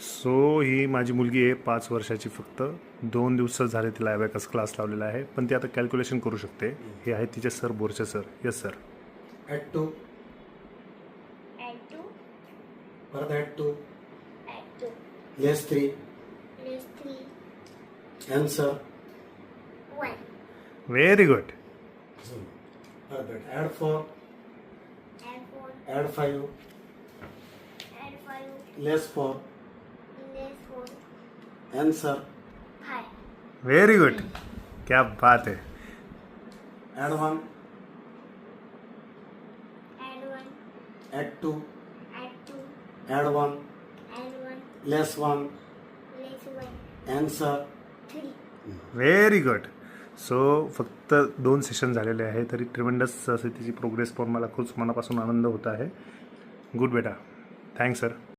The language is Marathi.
सो ही माझी मुलगी आहे 5 वर्षाची. फक्त 2 दिवस झाले तिला ॲबॅकस क्लास लावलेला आहे, पण ती आता कॅल्क्युलेशन करू शकते. हे आहे तिचे सर, बोरचे sir. Yes sir. Add 2. add 2, परत add 2. add 2, Less 3. less 3, Answer. 1, very good. Perhat add 4. add 4, Add 5. add 5, Less 4. less 4, Answer. 5, very good. क्या बात है. Add 1. add 1, Add 2. add 2, Add 1. add 1, Less 1. less 1, Answer. 3. Very good. So फक्त 2 सेशन झालेले आहे, तरी ट्रिमेंडस असे तिची प्रोग्रेस पाहून मला खूप मनापासून आनंद होत आहे. गुड बेटा. Thanks sir.